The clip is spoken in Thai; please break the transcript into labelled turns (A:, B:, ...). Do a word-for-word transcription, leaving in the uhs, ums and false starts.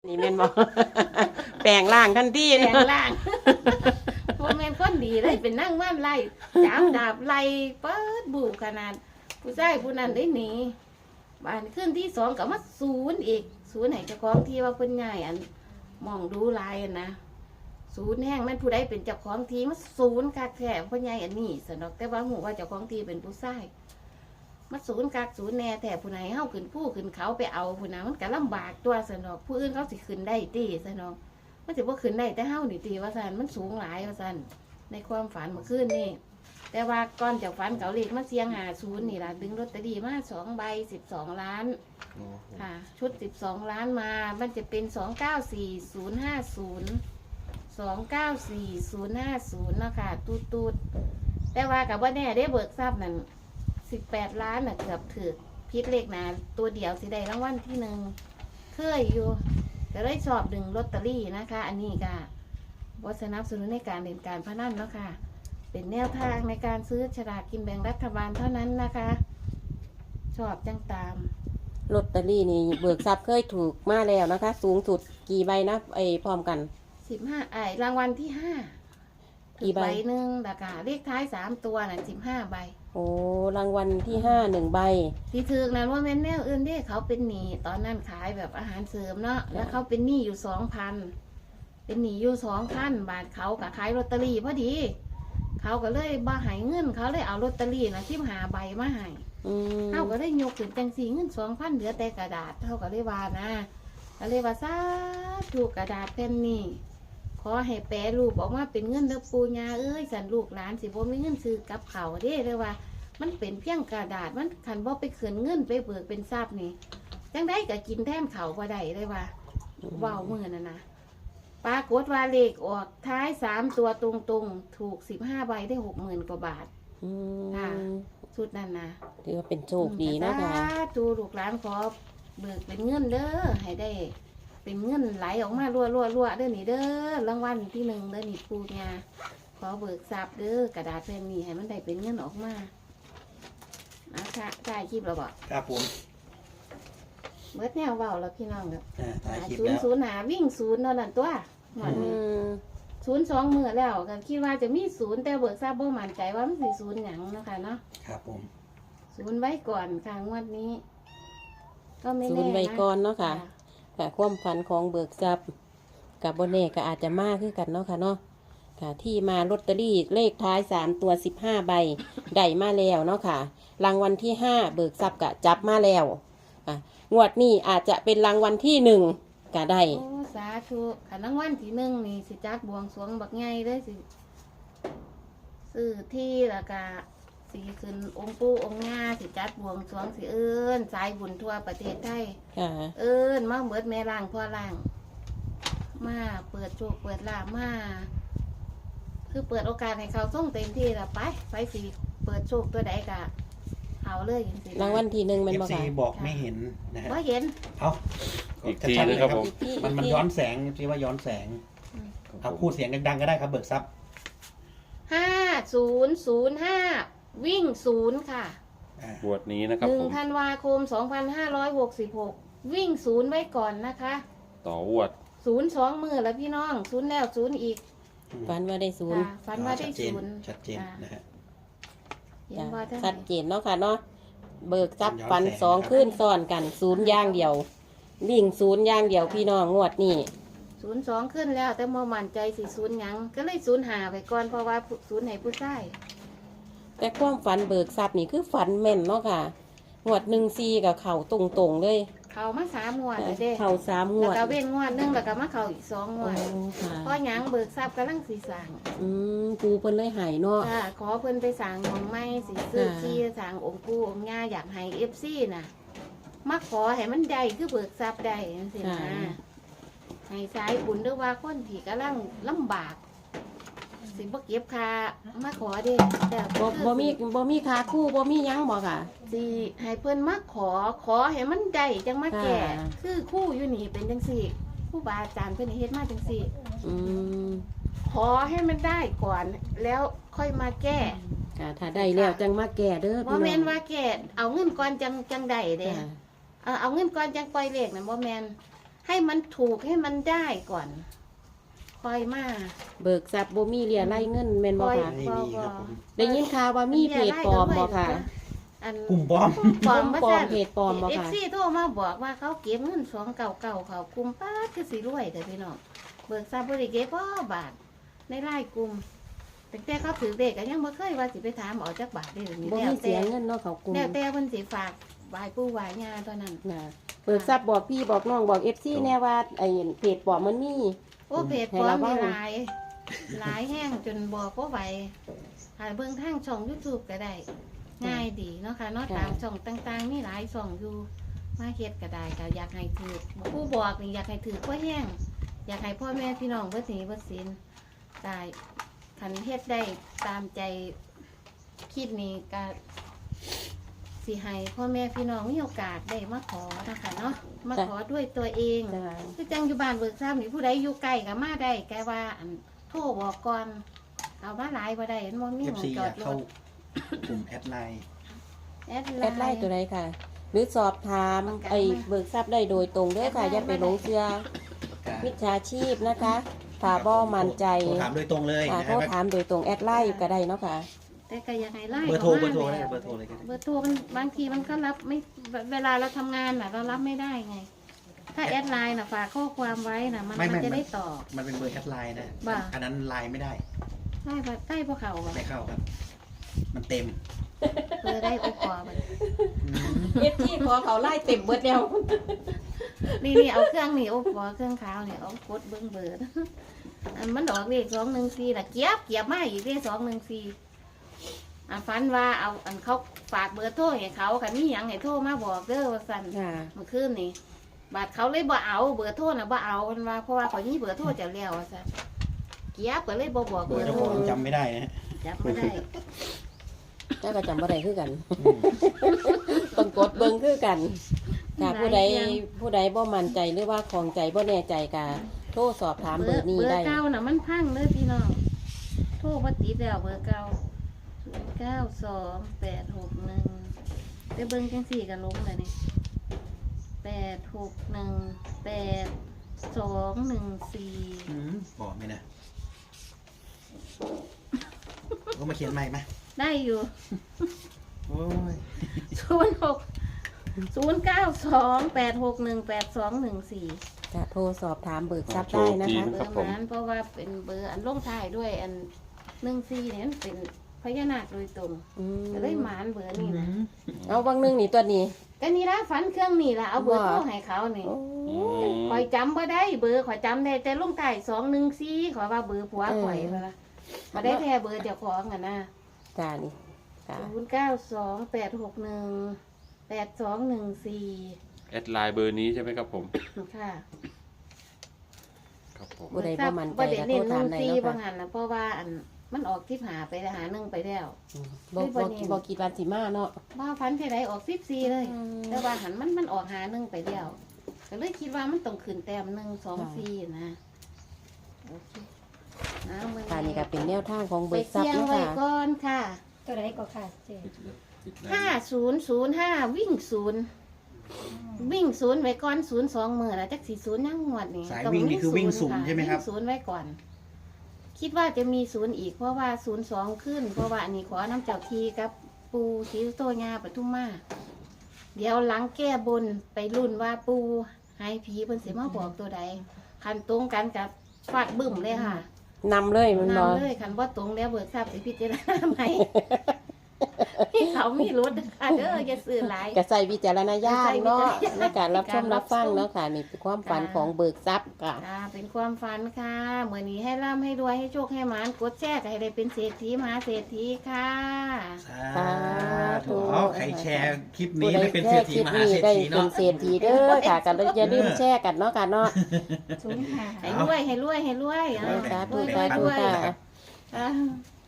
A: นี่แม่นบอก แปลงร่างทันที
B: แปลงร่างพวกแม่นคนดีเลยเป็นนั่งว่านไล่จับดาบไล่เปิดบุกขนาดผู้ชายผู้นั้นได้หนีบ้านขึ้นที่สองก็มาศูนย์อีกศูนย์ไหนเจ้าของที่ว่าเพิ่นใหญ่อันมองดูลายนะศูนย์แห้งมันผู้ใดเป็นเจ้าของทีมาศูนย์กักแท้เพิ่นใหญ่อันนี้สนอกแต่ว่าหูว่าเจ้าของทีเป็นผู้ชายมาศูนย์กักศูนย์แน่แต่ผู้ไหนเฮาขึ้นผู้ขึ้นเขาไปเอาผู้นั้นมันก็ลำบากตัวสนอกผู้อื่นเขาสิขึ้นได้ตีสนอกมันสิบ่ขึ้นได้แต่เฮานี่ตีว่าซั่นมันสูงหลายว่าซั่นในความฝันเมื่อคืนนี่แต่ว่าก่อนจากฝันเขาเลขมาเสียงหาศูนย์นี่ล่ะดึงลอตเตอรี่มาสองใบสิบสองล้านค่ะชุดสิบสองล้านมามันจะเป็นสองเก้าสี่ศูนย์ห้าศูนย์สองเก้าสี่ศูนย์ห้าศูนย์นะค่ะตูดตูดแต่ว่ากับว่าแน่ได้เบิกทรัพย์นั่นสิบแปดล้านน่ะเกือบถือพิษเลขหนาตัวเดียวสิได้รางวัลที่หนึ่งเคยอยู่ก็เลยชอบดึงลอตเตอรี่นะคะ อันนี้ก็วัสนับสนุนในการเล่นการพนันเนาะค่ะเป็นแนวทางในการซื้อฉลากกินแบ่งรัฐบาลเท่านั้นนะคะ ชอบจังตาม
A: ลอตเตอรี่นี่เบิกทรัพย์เคยถูกมาแล้วนะคะ สูงสุดกี่ใบนะไอ้พร้อมกัน
B: สิบห้าไอ้รางวัลที่ห้า
A: กี่ใบ
B: หนึ่งราคาเลขท้ายสามตัวน่ะสิบห้าใบ
A: โอ้รางวัลที่ห้าหนึ่งใบ
B: ที่ถือนั้นว่าแม่นแนวอื่นเด้เขาเป็นหนี้ตอนนั้นขายแบบอาหารเสริมเนาะแล้วเขาเป็นหนี้อยู่สองพันเป็นหนี้อยู่สองพันบาทเขากับขายลอตเตอรี่พอดีเขาก็เลยบ่หายเงินเขาเลยเอาลอตเตอรี่นะที่หาใบมาให้เขาก็เลยยกขึ้นจังสีเงินสองพันเหลือแต่กระดาษเขาก็เลยว่านะก็เลยว่าซาถูกกระดาษแผ่นนี้ขอให้แปรรูปออกมาเป็นเงินเด้อปูญาเอ้ยสันลูกหลานสิบ่มีเงินซื้อกับเขาเด้เลยว่ามันเป็นเพียงกระดาษมันขันบ่ไปเขือนเงินไปเบิกเป็นทรัพย์นี่จังได้ก็กินแทนเขาบ่ได้เลยว่าว้าวมือน่ะนะปรากฏว่าเลขออกท้ายสามตัวตรงๆถูกสิบห้าใบได้หกหมื่นกว่าบาทค่ะชุดนั้นนะ
A: ถือว่าเป็นโชคดีนะคะ
B: จูลูกหลานขอเบิกเป็นเงินเด้อให้ได้เป็นเงินไหลออกมารัวรัวรัวเด้อนี่เด้อรางวัลที่หนึ่งเด้อนี่ปูญาขอเบิกทรัพย์เด้อกระดาษแผ่นนี้ให้มันได้เป็นเงินออกมานะคะถ่ายคลิปเราบอก
C: ครับผม
B: เมื่อแนวเบาแล้วพี่น้องครับ
C: ถ่ายคลิป
B: ศูนย์ศูนย์หาวิ่งศูนย์นั่นตัวหมดนี้ศูนย์สองมือแล้วก็คิดว่าจะมีศูนย์แต่เบิกทราบบ่มั่นใจว่ามันสิศูนย์หยังนะคะเนาะ
C: ครับผม
B: ศูนย์ไว้ก่อนค่ะงวดนี้ก็ไม่แน่นะ
A: ศูนย์ไว้ก่อนเนาะค่ะค่ะความฝันของเบิกทรัพย์กับโบเน่ก็อาจจะมากขึ้นกันเนาะค่ะเนาะค่ะที่มาลอตเตอรี่เลขท้ายสามตัวสิบห้าใบได้มาแล้วเนาะค่ะรางวัลที่ห้าเบิกทรัพย์ก็จับมาแล้วค่ะงวดนี้อาจจะเป็นรางวัลที่หนึ่งก็ได้
B: โอ้สาธุขันรางวัลที่หนึ่งนี่สิจัดบวงสรวงบักไงเลยสิซื้อที่แล้วก็สีขึ้นองค์ปู่องค์ย่าสิจัดบวงสรวงสิเอิ้นสายบุญทั่วประเทศไทยเอิ้นมาเบิดแม่ล่างพ่อล่างมาเปิดโชคเปิดลาบมาคือเปิดโอกาสให้เขาส่งเต็มที่ละไปไปสิเปิดโชคตัวใดกะเอาเลย
A: รางวัลที่หนึ่งมันบอก
C: บอกไม่เห็นนะฮะ
B: ว่าเห็น
C: เอา
D: อีกทีนะครับผม
C: มันมันย้อนแสงที่ว่าย้อนแสงเอาพูดเสียงดังๆก็ได้ครับเบิกทรัพย์
B: ห้าศูนย์ศูนย์ห้าวิ่งศูนย์ค่ะ
D: บวชนี้นะครับ
B: หนึ่งธันวาคมสองพันห้าร้อยหกสิบหกวิ่งศูนย์ไว้ก่อนนะคะ
D: ต่อววด
B: ศูนย์สองมือแล้วพี่น้องศูนย์แล้วศูนย์อีก
A: ฝันว่าได้ศูนย์
B: ฝันว่าได้ศูนย์
C: ชัดเจนนะฮะ
A: ชัดเจนเนาะค่ะเนาะเบิกทรัพย์ฝันสองขึ้นซ้อนกันศูนย์ย่างเดียววิ่งศูนย์ย่างเดียวพี่น้องงวดนี่
B: ศูนย์สองขึ้นแล้วแต่โมมั่นใจสิศูนย์ยังก็เลยศูนย์หาไปก่อนเพราะว่าศูนย์ไหนผู้ใช้
A: แต่ความฝันเบิกทรัพย์นี่คือฝันแม่นเนาะค่ะงวดหนึ่งซีกับเข่าตรงๆเลย
B: เข่ามาสามงวดเลยเด้
A: เข่าสามงวด
B: แล้วก็เว้นงวดนึงแล้วก็มาเข่าอีกสองงวดเพราะยังเบิกทรัพย์กำลังสีสั่ง
A: อืมปูเพิ่นเลยหายเนาะ
B: ขอเพิ่นไปสั่งของไม้สีซื้อที่สั่งองค์ปู่องค์ย่าอยากให้เอฟซีน่ะมาขอให้มันได้คือเบิกทรัพย์ได้สินะให้สายบุญด้วยว่าคนที่กำลังลำบากสิบ่เก็บค่ามาขอเด้แต่
A: บ่บ่มีบ่มีค่าคู่บ่มียังบ่ค่ะ
B: สิให้เพิ่นมาขอขอให้มันได้จังมาแก่คือคู่อยู่นี่เป็นจังซี่ครูบาอาจารย์เพิ่นเฮ็ดมาจังซี่
A: อืม
B: ขอให้มันได้ก่อนแล้วค่อยมาแก้
A: ค่ะถ้าได้แล้วจังมาแก้เด้อ
B: บ่แม่นว่าแก้เอาเงินก่อนจังจังได้เด้เออเอาเงินก่อนจังปล่อยเลขน่ะบ่แม่นให้มันถูกให้มันได้ก่อนคอยมา
A: เบิกทรัพย์บ่มีเรียไล่เงินแม่นบ่ค่ะ
C: ไม่มีครับผม
A: ได้ยินข่าวว่ามีเพจปลอมบ่ค่ะ
B: อัน
C: กลุ่มบอม
B: ปลอม
A: ปลอมเพจปลอมบ่
B: เอฟ
A: ค่ะ
B: ซีโทรมาบอกว่าเขาเก็บเงินสองเก่าเก่าเขากลุ่มป้าดคือสิรวยแต่พี่น้องเบิกทรัพย์บริเก็บพ่อบาทในไล่กลุ่มแต่แต่เขาถือเด็กก็ยังบ่เคยว่าสิไปถามออกจากบาทได้หรือ
A: บ่
B: แล้ว
A: มีเสี
B: แต่
A: ยเงินเนาะเขากลุ่ม
B: แล้วแต่เพิ่นสิฝากวายปู่วายยาตอนนั้น
A: นะเบิกทรัพย์บอกพี่บอกน้องบอก เอฟ ซี แน่ว่าไอ้เพจปลอมมันมี
B: โอ้เพจปลอมมีหลายหลายแห้งจนบอกว่าไหวหายเบิ่งทางช่อง YouTube ก็ได้ ง่ายดีเนาะค่ะเนาะตามช่องต่างๆมีหลายช่องอยู่มาเฮ็ดก็ได้ก็อยากให้ถือผู้บอกนี่อยากให้ถือพ่อแห้งอยากให้พ่อแม่พี่น้องเบิดหนี้เบิดสินได้คันเฮ็ดได้ตามใจคิดนี่ก็สิให้พ่อแม่พี่น้องมีโอกาสได้มาขอนะคะเนาะมาขอด้วยตัวเอง
A: จ้ะ
B: คือจังอยู่บ้านเบิกทราบนี่ผู้ใดอยู่ไกลก็มาได้แกว่าอันโทรบอกก่อนเอามาหลายบ่ได้เห็นบ่มี
C: เอ
B: ห
C: ฟ
B: ม้อง
C: ซี
B: จ
C: อ
B: อด
C: ยาก
B: ร
C: เข้า
B: ถ
C: กลุ่มแอดไลน์
B: แอด
A: แอดไลน์ตัวใดค่ะ หรือสอบถามไอ้เบิกทรัพย์ได้โดยตรงเด้อค่ะ อย่าไปหลงเชื่อมิจฉาชีพนะคะถ้าบ่มั่นใจ
C: โทรถามโดยตรงเลย
A: ค่ะ
C: นะ
A: โท
C: ค
A: ร
C: รับ
B: Dạ.
A: ถามโดยตรงแอดไลน์ก็ได้เนาะค่ะ
B: แต่ก็อยากให้ไล่
C: เบอร์โทรเบอร์โทร
B: ข้า
C: ได้
B: มา
C: เบอร์โทรเลยก็ได้
B: เบอร์โทรมันบางทีมันก็รับไม่เวลาเราทำงานน่ะเรารับไม่ได้ไง ถ้าแอดไลน์น่ะฝากข้อความไว้น่ะมัน
C: ไม่
B: มัน
C: ไม่
B: จะได้ตอบ
C: มันเป็นเบอร์แอดไลน์นะ
B: บ่า
C: อันนั้นไลน์ไม่ได้
B: ได้ปะได้พวกเขาบ่
C: ไม่เข้าครับ มันเต็ม
B: เบอร์ได้โอปอบ่
C: อืม
A: เอฟซีขอเขาไล่เต็มเบิดแล้ว
B: นี่นี่เอาเครื่องนี่โอปอเครื่องขาวนี่เอากดเบิ่งเบอร์อันมันดอกเลขสองหนึ่งสี่น่ะเกียบเกียบมาอีกเลขสองหนึ่งสี่อันฝันว่าเอาอันเขาฝากเบอร์โทรให้เขาคันมีหยังให้โทรมาบอกเด้อว่าซั่น
A: ค่ะ
B: เมื่อคืนนี่บาดเขาเลยบ่เอาเบอร์โทรน่ะบ่เอามันว่าเพราะว่าเขามีเบอร์โทรจะแล้วว่าซั่นเกียบก็เลยบ่บอก
C: เบ
B: เบ
C: อ
B: อ
C: ร์
B: ร์
C: เจ้า
B: โท
C: ข
B: ร
C: องจำไม่ได้นะฮะ
B: จับบ่ได้
A: เจ้าก็จำบ่ได้คือกัน
C: อืม
A: ต้องกดเบิ่งคือกันค่ะ
B: หลาย
A: ผู้ใด
B: อย่าง
A: ผู้ใดบ่มั่นใจหรือว่าของใจบ่แน่ใจก็โทรสอบถามเบอร์นี้
B: เบอ
A: ได้
B: ร์เก่าน่ะมันพังเด้อพี่น้องโทรบ่ติดแล้วเบอร์เก่าศูนย์เก้าสองแปดหกหนึ่งไปเบิ่งจังสี่ก็ลงเลยนี่แปดหกหนึ่งแปดสองหนึ่งสี่
C: อืมบอกไหมนะก็มาเขียนใหม่ไหม
B: ได้อยู่
C: โอ้ย
B: ศูนย์หกศูนย์เก้าสองแปดหกหนึ่งแปดสองหนึ่งสี่
A: จะโทรสอบถามเบิกทรัพย์
D: โช
A: ได้
D: ค
A: นะ
D: ดี
A: คะ
B: เบ
D: ค
B: อ
D: รับ
B: ร์
D: ผม
B: นั้นเพราะว่าเป็นเบอร์อันลงท้ายด้วยอันหนึ่งสี่เนี่ยมันเป็นพญานาคโดยตรง
A: อืม
B: ก็เลยหมานเบอร์นี่นะ
A: เอาบางหนึงนี่ตัวนี้
B: ก็นี่ละฝันเครื่องนี่ละเอาเบอร์
A: ว่า
B: โทรให้เขานี่
A: โอ้
D: อืม
B: ข่อยจำบ่ได้เบอร์ข่อยจำได้แต่ลงท้ายสองหนึ่งสี่ขอยว่าเบอร์ผัวข่อยว่าละมาได้แท้เบอร์เจ้าของอ่ะนะ
A: จ้านี่ค่ะ
B: ศูนย์เก้าสองแปดหกหนึ่งแปดสองหนึ่งสี่
D: แอดไลน์เบอร์นี้ใช่ไหมครับผม
B: ค่ะ
D: ครับผม
A: ผู้ใดบ่มั่นใจ
B: บ่ได้
A: ก็โท
B: เน้
A: ร
B: นห
A: ถา
B: นึ่
A: ม
B: ง
A: ได้
B: สี่
A: เนาะ
B: บาง
A: ค่ะ
B: หันนะเพราะว่าอันมันออกที่หาไปหาหนึ่งไปแล้ว
A: บ่บ่บ่คิดว่าสิมาเนาะ
B: ว่าฟันเท่าไรออกสิบสี่เลย แต่ว่าหันมันมันออกหาหนึ่งไปแล้วก็เลยคิดว่ามันต้องขึ้นแต้มหนึ่งสองสี่นะโอเคเอามือ
A: ค่ะนี่ก็เป็นแนวทางของ
B: ไป
A: เบิกทรัพ
B: เสี่ย
A: ย์
B: ง
A: เนาะ
B: ไว้
A: ค่ะ
B: ก่อนค่ะ
E: ตัวไหนก็ค่ะเจ๊
B: ห้าศูนย์ศูนย์ห้าวิ่งศูนย์วิ่งศูนย์ไว้ก่อนศูนย์สองหมื่นแล้วจักสี่ศูนย์ยังงวดนี่
C: สาย
B: ต้
C: วิ่งนี่คือวิ่งศูนย์
B: ะ
C: ใช่ไหมครับ
B: วิ่งศูนย์ไว้ก่อน คิดว่าจะมีศูนย์อีกเพราะว่าศูนย์สองขึ้น เพราะว่าอันนี้ขอน้ำเจ้าทีกับปูศรีโตญาปทุมมาเดี๋ยวหลังแก้บนไปรุ่นว่าปูหายผีเพิ่นสิมาบอกตัวใดคันตรงกันกับฟาดบึ้มเลยค่ะ
A: นำเลยมันบ่
B: นำเลยคันว่าตรงแล้วเบิกทราบสิพิจารณาใหม่ ที่เขามีรถค่ะเด้ออย่าซื้อหลาย
A: ก็ใส่วิจารณญาณเนาะ
B: ใส่วิจารณญาณ
A: ในการรับชมรับฟังเนาะค่ะนี่เป็นความฝันของเบิกทรัพย์ค่ะ
B: อ่าเป็นความฝันค่ะเมื่อนี้ให้ร่ำให้รวยให้โชคให้หมานกดแชร์ก็ให้ได้เป็นเศรษฐีมหาเศรษฐีค่ะ
C: สาธุเอาใครแชร์คลิปนี้ได้เป็นเศรษฐี
A: ผู้
C: ม
A: ใด
C: หา
A: แช
C: เศร
A: ร์
C: ษ
A: คลิปนี้ได้
C: ฐี
A: เป็น
C: เนาะ
A: เศรษฐีเด้อค่ะกันอย่าลืมแชร์กันเนาะค่ะเนาะ
E: ศูนย์ห้า
B: ให้รวยให้รวยให้รวยอ่ะ
A: สาธุ
B: รวย
A: สาร ธุ
B: วยรวย
A: ค่ะ
B: อ่า